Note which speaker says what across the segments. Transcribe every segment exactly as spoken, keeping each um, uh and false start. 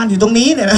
Speaker 1: อยู่ตรงนี้เนี่ยนะ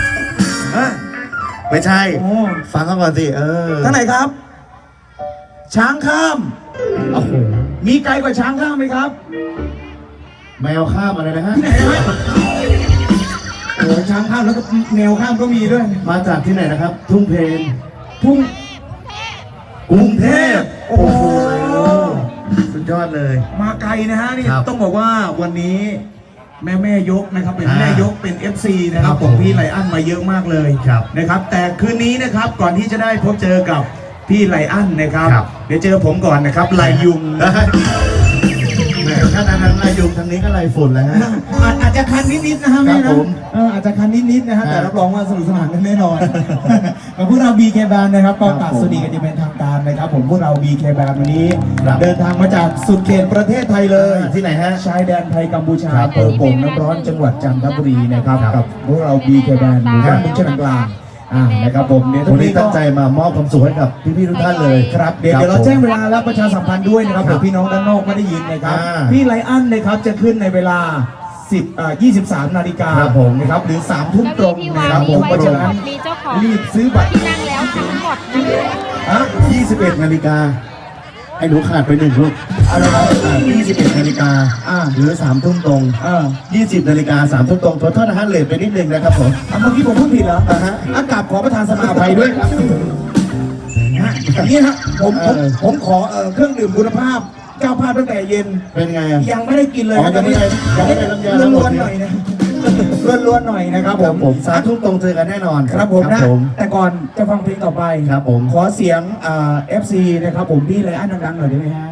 Speaker 2: ไม่ใช่
Speaker 1: โอ้
Speaker 2: ฟังเขาก่อนสิเออ
Speaker 1: ท่านไหนครับ ช้างข้าม
Speaker 2: โอ้โห
Speaker 1: มีไกลกว่าช้างข้ามไหมครับ
Speaker 2: แมวข้ามอะไรนะฮะ
Speaker 1: ที่ไหนนะโอ้ช้างข้ามแล้วก็แนวข้ามก็มีด้วย
Speaker 2: มาจากที่ไหนนะครับ ทุ่งเพน
Speaker 1: ทุ่ง
Speaker 2: กรุงเทพ
Speaker 1: โอ้โห
Speaker 2: สุดยอดเลย
Speaker 1: มาไกลนะฮะนี่
Speaker 2: ครับ
Speaker 1: ต้องบอกว่าวันนี้แม่แม่ยกนะครับเป็น
Speaker 2: อ่า
Speaker 1: แม่ยกเป็น เอฟ ซี นะครับ
Speaker 2: ครับ
Speaker 1: ของพี่ไลอ้อนมาเยอะมากเลย
Speaker 2: ครับ
Speaker 1: นะครับ แต่คืนนี้นะครับก่อนที่จะได้พบเจอกับพี่ไลอ้อนนะครับ
Speaker 2: ครับ
Speaker 1: เดี๋ยวเจอผมก่อนนะครับไลยุง
Speaker 2: แหมถ้าทางนั้นลายยุงทางนี้ก็ลายฝุ่นแล้วฮะ
Speaker 1: อาจอาจจะคันนิดๆนะฮะแม่
Speaker 2: ครั
Speaker 1: นะ
Speaker 2: บผม
Speaker 1: เอออาจจะคันนิดๆนะฮะ
Speaker 2: ครับ
Speaker 1: แต่รับรองว่าสนุกสนานกันแน่นอน กับพวกเรา บี เค Band นะครับก็
Speaker 2: ครับ
Speaker 1: กราบ
Speaker 2: ผม
Speaker 1: สวัสดีกันอย่างเป็นทางการนะครับ ผมพวกเรา บี เค Band วันนี้
Speaker 2: ครับ
Speaker 1: เดินทางมาจากสุดเขตประเทศไทยเลย
Speaker 2: ที่ไหนฮะ
Speaker 1: ชายแดนไทยกัมพูชา
Speaker 2: ครับ
Speaker 1: อำเภอโป่งน้ำร้อนจังหวัดจันทบุรีนะครับ
Speaker 2: ครับ
Speaker 1: กับพวกเรา บี เค Band หมู่บ้านมุกชนกลางอ่านะครับผมเดี๋ยว
Speaker 2: วันนี้
Speaker 1: ก็
Speaker 2: ตั้งใจมามอบความสุขให้กับพี่ๆทุกท่านเลย
Speaker 1: ครับเดี๋ยวเดี๋ยวเราแจ้งเวลาและประชาสัมพันธ์ด้วยนะครับ
Speaker 2: ครั
Speaker 1: เผื่
Speaker 2: บ
Speaker 1: อพี่น้องด้านนอกไม่ได้ยินนะครับ
Speaker 2: อ่า
Speaker 1: พี่ไลอ้อนนะครับจะขึ้นในเวลาสิบอ่ายี่สิบสามนาฬิกา
Speaker 2: ครับผม
Speaker 1: นะครับหรือสามทุ่มตรง
Speaker 3: ที่
Speaker 1: นะ
Speaker 3: วาง
Speaker 1: ครับผ
Speaker 3: มี
Speaker 1: ม
Speaker 3: ไว้
Speaker 1: เพราะ
Speaker 3: ทั้
Speaker 1: ฉะ
Speaker 3: งหม
Speaker 1: นั้น
Speaker 3: ดมีเจ้าของ
Speaker 1: รีบซื้อบัตร
Speaker 3: ที่นั่งแล้วทั้งหมดนะคะ
Speaker 1: ฮะ
Speaker 2: ยี่สิบเอ็ดนาฬิกาไอ้หนูขาดไปหนึ่งลูก
Speaker 1: อะไรนะ
Speaker 2: ยี่สิบเอ็ดนาฬิกา
Speaker 1: อ่า
Speaker 2: หรือสามทุ่มตรง
Speaker 1: เออ
Speaker 2: ยี่สิบนาฬิกาสามทุ่มตรงขอโทษนะฮะเลทไปนิดนึงนะครับผม
Speaker 1: อ่ะเมื่อกี้ผมพูดผิดเหรอ
Speaker 2: อ่าฮะ
Speaker 1: อากาศขอประทานสมาภัยด้วยครับฮะอย่างนี้ฮะผมผม
Speaker 2: เออ
Speaker 1: ผมขอเอ่อเครื่องดื่มคุณภาพเจ้าภาพตั้งแต่เย็น
Speaker 2: เป็นไงอ่ะ
Speaker 1: ยังไม่ได้กินเลย
Speaker 2: อ๋อ
Speaker 1: นะ
Speaker 2: ยังไม่ได้ยังไม่ได้น้ำยาล้างร
Speaker 1: ล้
Speaker 2: ถ
Speaker 1: วนๆหน่อยนะล้วนๆหน่อยนะครับผ
Speaker 2: ครั
Speaker 1: ม
Speaker 2: บผมสามทุ่มตรงเจอกันแน่นอน
Speaker 1: ครับผมนะ
Speaker 2: ผม
Speaker 1: แต่ก่อนจะฟังเพลงต่อไป
Speaker 2: ครับผม
Speaker 1: ขอเสียงเอ่อฟซีนะครับผมพี่ไลอ้อนดังๆหน่อยได้ไหมฮะ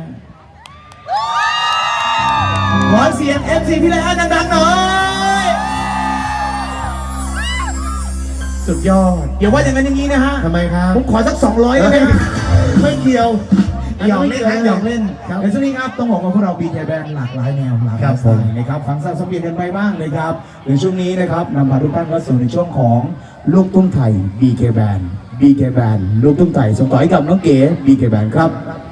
Speaker 1: ขอเสียง เอฟ ซี พี่ไลอ้อนดังๆหน่อยสุดยอดอย่าว่าอย่างนั้นอย่างนี้นะฮะ
Speaker 2: ทำไมครับ
Speaker 1: ผมขอสักสองร้อยได้ไหม
Speaker 2: ไม่เกี่ยว
Speaker 1: หยอกเล่นนะหยอกเล่น
Speaker 2: ครับ
Speaker 1: ในช่วงนี้ครับต้องบอกว่าพวกเรา บี เค Band หลากหลายแนวหลากห
Speaker 2: ครั
Speaker 1: ลาย
Speaker 2: บ
Speaker 1: สไตล์นะครับฟังสลับสับเปลี่ยนกันไปบ้างเลยครับในช่วงนี้นะครับนำพาทุกท่านเข้าสู่ในช่วงของลูกทุ่งไทย บี เค Band บี เค Band ลูกทุ่งไทยส่งต่อให้กับน้องเก๋ บี เค Band ครับ